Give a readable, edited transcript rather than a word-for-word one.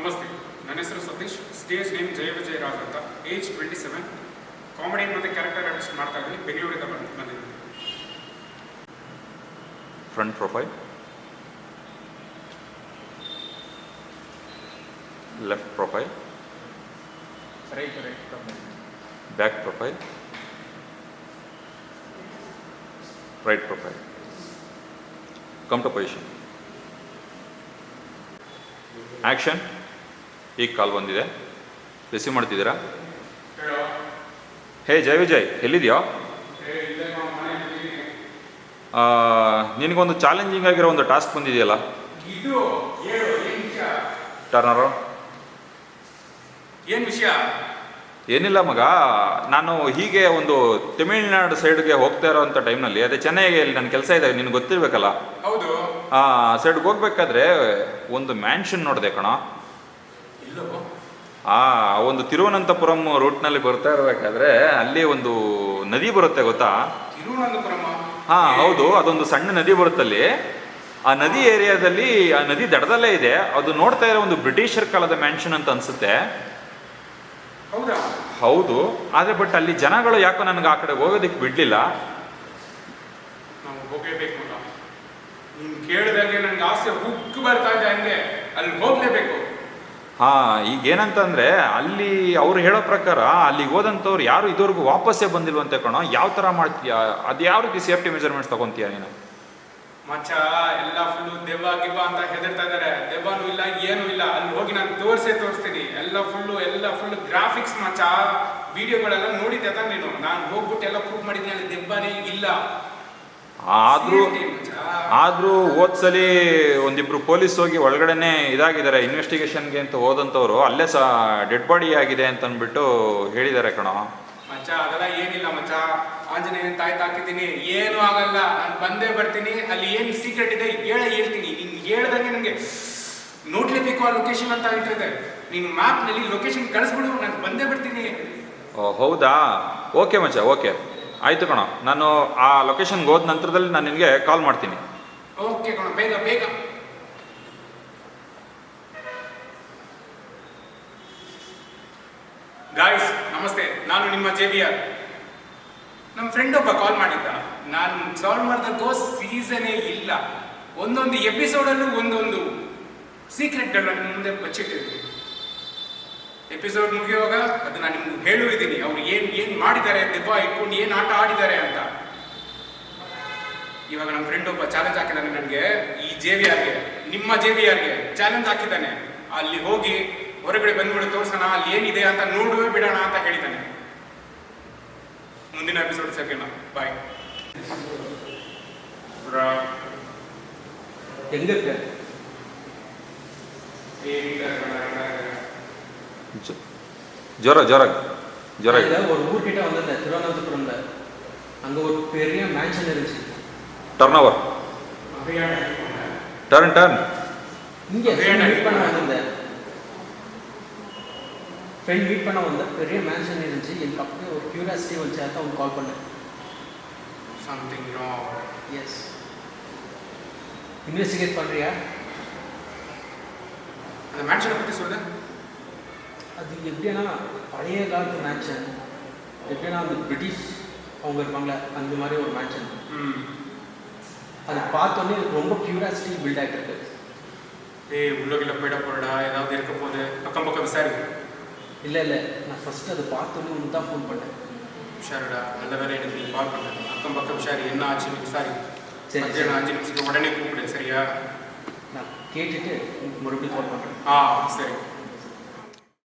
ನಮಸ್ತೆ, ನನ್ನ ಹೆಸರು ಸತೀಶ್. ಸ್ಟೇಜ್ ನೇಮ್ ಜಯ ವಿಜಯ್ ರಾಜ್ ಅಂತ. ಏಜ್ 27. ಕಾಮಿಡಿ ಮತ್ತು ಕ್ಯಾರೆಕ್ಟರ್ ಆರ್ಟಿಸ್ಟ್ ಮಾಡ್ತಾ ಇದ್ದೀನಿ. ಬೆಂಗಳೂರಿಂದ ಬಂದಿದ್ದೀನಿ. Front profile, left profile, right profile, back profile, right profile. Come to position. Action. ಈಗ ಕಾಲ್ ಬಂದಿದೆ, ರಿಸೀವ್ ಮಾಡ್ತಿದ್ದೀರಾ? ಹೇ ಜೈ ವಿಜಯ್, ಎಲ್ಲಿದೆಯೋ? ನಿನಗೊಂದು ಚಾಲೆಂಜಿಂಗ್ ಆಗಿರೋ ಒಂದು ಟಾಸ್ಕ್ ಬಂದಿದೆಯಲ್ಲ, ಟರ್ನರು. ಏನು ವಿಷಯ? ಏನಿಲ್ಲ ಮಗ, ನಾನು ಹೀಗೆ ಒಂದು ತಮಿಳ್ನಾಡು ಸೈಡ್ಗೆ ಹೋಗ್ತಾ ಇರೋವಂಥ ಟೈಮ್ನಲ್ಲಿ, ಅದೇ ಚೆನ್ನೈಯಲ್ಲಿ ನನ್ನ ಕೆಲಸ ಇದೆ, ನಿನ್ಗೆ ಗೊತ್ತಿರಬೇಕಲ್ಲ. ಹೌದು. ಸೈಡ್ಗೆ ಹೋಗ್ಬೇಕಾದ್ರೆ ಒಂದು ಮ್ಯಾನ್ಷನ್ ನೋಡಿದೆ ಕಣ. ಒಂದು ತಿರುವನಂತಪುರಂ ರೂಟ್ನಲ್ಲಿ ಬರ್ತಾ ಇರಬೇಕಾದ್ರೆ ಅಲ್ಲಿ ಒಂದು ನದಿ ಬರುತ್ತೆ, ಗೊತ್ತಾ? ತಿರುವನಂತಪುರಂ? ಹೌದು, ಅದೊಂದು ಸಣ್ಣ ನದಿ ಬರುತ್ತಲ್ಲಿ. ಆ ನದಿ ಏರಿಯಾದಲ್ಲಿ, ಆ ನದಿ ದಡದಲ್ಲೇ ಇದೆ. ಅದು ನೋಡ್ತಾ ಇರೋ ಒಂದು ಬ್ರಿಟಿಷರ್ ಕಾಲದ ಮ್ಯಾನ್ಷನ್ ಅಂತ ಅನ್ಸುತ್ತೆ. ಹೌದಾ? ಹೌದು, ಆದರೆ ಬಟ್ ಅಲ್ಲಿ ಜನಗಳು ಯಾಕೋ ನನಗೆ ಆ ಕಡೆ ಹೋಗೋದಕ್ಕೆ ಬಿಡಲಿಲ್ಲ. ನಾವು ಹೋಗಲೇಬೇಕು. ನೀನು ಕೇಳಿದಾಗೆ ನನಗೆ ಆಸೆ ಹುಕ್ಕು ಬರ್ತಾ ಇದೆ, ಹಂಗೆ ಅಲ್ಲಿ ಹೋಗಲೇಬೇಕು. ಈಗ ಏನಂತಂದರೆ, ಅಲ್ಲಿ ಅವ್ರು ಹೇಳೋ ಪ್ರಕಾರ ಅಲ್ಲಿಗೆ ಹೋದಂಥವ್ರು ಯಾರು ಇದುವರೆಗೂ ವಾಪಸ್ಸೇ ಬಂದಿಲ್ವಂತೆ ಕಣೋ. ಯಾವ ಥರ ಮಾಡ್ತೀಯಾ? ಅದು ಯಾವ ರೀತಿ ಸೇಫ್ಟಿ ಮೆಜರ್ಮೆಂಟ್ಸ್ ತಗೊತೀಯ ನೀನು? ಮಚ್ಚ, ಎಲ್ಲ ಫುಲ್ಲು ದೆವ್ವ ಗಿವ್ವ ಅಂತ ಹೆದರ್ತಾ ಇದ್ದಾರೆ. ದೆವ್ವನೂ ಇಲ್ಲ, ಏನೂ ಇಲ್ಲ. ಅಲ್ಲಿ ಹೋಗಿ ನಾನು ತೋರಿಸ್ತೀನಿ. ಎಲ್ಲ ಫುಲ್ಲು ಗ್ರಾಫಿಕ್ಸ್ ಮಚ್ಚ. ವಿಡಿಯೋಗಳೆಲ್ಲ ನೋಡಿದ್ದೆ ತಾನೆ ನೀನು? ನಾನು ಹೋಗ್ಬಿಟ್ಟು ಎಲ್ಲ ಪ್ರೂವ್ ಮಾಡಿದ್ದೀನಿ, ಅಲ್ಲಿ ದೆವ್ವನೇ ಇಲ್ಲ. ಆದರೂ ಓದ್ಸಲಿ ಒಂದಿಬ್ರು ಪೊಲೀಸ್ ಹೋಗಿ ಒಳಗಡೆನೆ ಇದಾಗಿದ್ದಾರೆ ಇನ್ವೆಸ್ಟಿಗೇಷನ್ಗೆ ಅಂತ ಹೋದಂಥವ್ರು. ಅಲ್ಲೇ ಸಹ ಡೆಡ್ ಬಾಡಿ ಆಗಿದೆ ಅಂತ ಅಂದ್ಬಿಟ್ಟು ಹೇಳಿದ್ದಾರೆ ಕಣೋ. ಮಚ್ಚ, ಅದೆಲ್ಲ ಏನಿಲ್ಲ ಮಚ್ಚ. ಆಂಜನೇಯನ ತಾಯಿ ತಾಕಿದ್ದೀನಿ, ಏನೂ ಆಗಲ್ಲ. ನಾನು ಬಂದೇ ಬರ್ತೀನಿ. ಅಲ್ಲಿ ಏನು ಸೀಕ್ರೆಟ್ ಇದೆ ಹೇಳ್ತೀನಿ. ನೀನು ಹೇಳ್ದಂಗೆ ನನಗೆ ನೋಡ್ಲೇಬೇಕು ಆ ಲೊಕೇಶನ್ ಅಂತ ಹೇಳ್ತಿದ್ದೆ. ನೀನು ಮ್ಯಾಪ್ನಲ್ಲಿ ಲೊಕೇಶನ್ ಕಳಿಸ್ಬಿಡು, ನಾನು ಬಂದೇ ಬರ್ತೀನಿ. ಹೌದಾ? ಓಕೆ ಮಚ್ಚ, ಓಕೆ ಆಯಿತು ಕಣೋ. ನಾನು ಆ ಲೊಕೇಶನ್ಗೆ ಹೋದ ನಂತರದಲ್ಲಿ ನಾನು ನಿನಗೆ ಕಾಲ್ ಮಾಡ್ತೀನಿ. ಓಕೆ ಕಣೋ, ಬೇಗ ಬೇಗ. ಗಾಯ್ಸ್ ನಮಸ್ತೆ, ನಾನು ನಿಮ್ಮ JVR. ನಮ್ಮ ಫ್ರೆಂಡ್ ಒಬ್ಬ ಕಾಲ್ ಮಾಡಿದ್ದ. ನಾನು ಸಾಲ್ವ್ ಮಾಡಿದಕ್ಕೋ ಸೀಸನೇ ಇಲ್ಲ. ಒಂದೊಂದು ಎಪಿಸೋಡಲ್ಲೂ ಒಂದೊಂದು ಸೀಕ್ರೆಟ್ಗಳನ್ನ ಮುಂದೆ ಬಚ್ಚಿಟ್ಟಿದ್ದೀನಿ. ಎಪಿಸೋಡ್ ಮುಗಿಯುವಾಗ ಅದು ನಾನು ನಿಮ್ಗೆ ಹೇಳುವಿದ್ದೀನಿ, ಅವ್ರು ಏನು ಮಾಡಿದ್ದಾರೆ, ದೆವ್ವ ಇಟ್ಕೊಂಡು ಏನು ಆಟ ಆಡಿದ್ದಾರೆ ಅಂತ. ಇವಾಗ ನಮ್ಮ ಫ್ರೆಂಡ್ ಒಬ್ಬ ಚಾಲೆಂಜ್ ಹಾಕಿದ್ದಾನೆ ನನಗೆ, ಈ JVRಗೆ, ನಿಮ್ಮ JVRಗೆ ಚಾಲೆಂಜ್ ಹಾಕಿದ್ದಾನೆ. ಅಲ್ಲಿ ಹೋಗಿ ಹೊರಗಡೆ ಬಂದ್ಬಿಟ್ಟು ತೋರ್ಸೋಣ, ಅಲ್ಲಿ ಏನಿದೆ ಅಂತ ನೋಡುವೇ ಬಿಡೋಣ ಅಂತ ಹೇಳಿದ್ದಾನೆ. ಮುಂದಿನ ಎಪಿಸೋಡ್ ಸಿಗೋಣ. ಬಾಯ್. ಹೆಂಗಕ್ಕೆ ஜோரா ஒரு ஊர்கிட்ட வந்தது திருவனந்தபுரம்ல. அங்க ஒரு பெரிய மேன்ஷன் இருந்துச்சு. டர்ன்ஓவர் டர்ன் இங்க மீட் பண்ண வந்தேன். ஃப்ரெண்ட் மீட் பண்ண வந்த பெரிய மேன்ஷன் இருந்துச்சு. எனக்கு அப்படியே ஒரு கியூரியாசிட்டி வந்துச்சு, அதான் அவங்க கால் பண்ணேன். Something wrong. எஸ். இன்வெஸ்டிகேட் பண்றியா? அந்த மேன்ஷனை பற்றி சொல்லு. அது எப்படின்னா பழைய காலத்து மேன்ஷன். எப்படின்னா அந்த பிரிட்டிஷ் அவங்க இருப்பாங்களே, அந்த மாதிரி ஒரு மேன்ஷன். அது பார்த்தோன்னே ரொம்ப கியூரியாசிட்டி பில்ட் ஆகிட்டு இருக்கு. உள்ளகிட்ட போயிட போறடா, ஏதாவது இருக்க போது அக்கம் பக்கம் விசாரி. இல்லை நான் ஃபஸ்ட்டு அதை பார்த்தோன்னே ஒன்று தான் ஃபோன் பண்ணேன். உஷாருடா, நல்ல வேலை எனக்கு நீ கால் பண்ண. அக்கம் பக்கம் விசாரி, என்ன ஆச்சுன்னு விசாரி. சரி, 5 நிமிஷத்துக்கு உடனே கூப்பிடு, சரியா? நான் கேட்டுட்டு மறுபடியும் கால் பண்ணுறேன். சரி.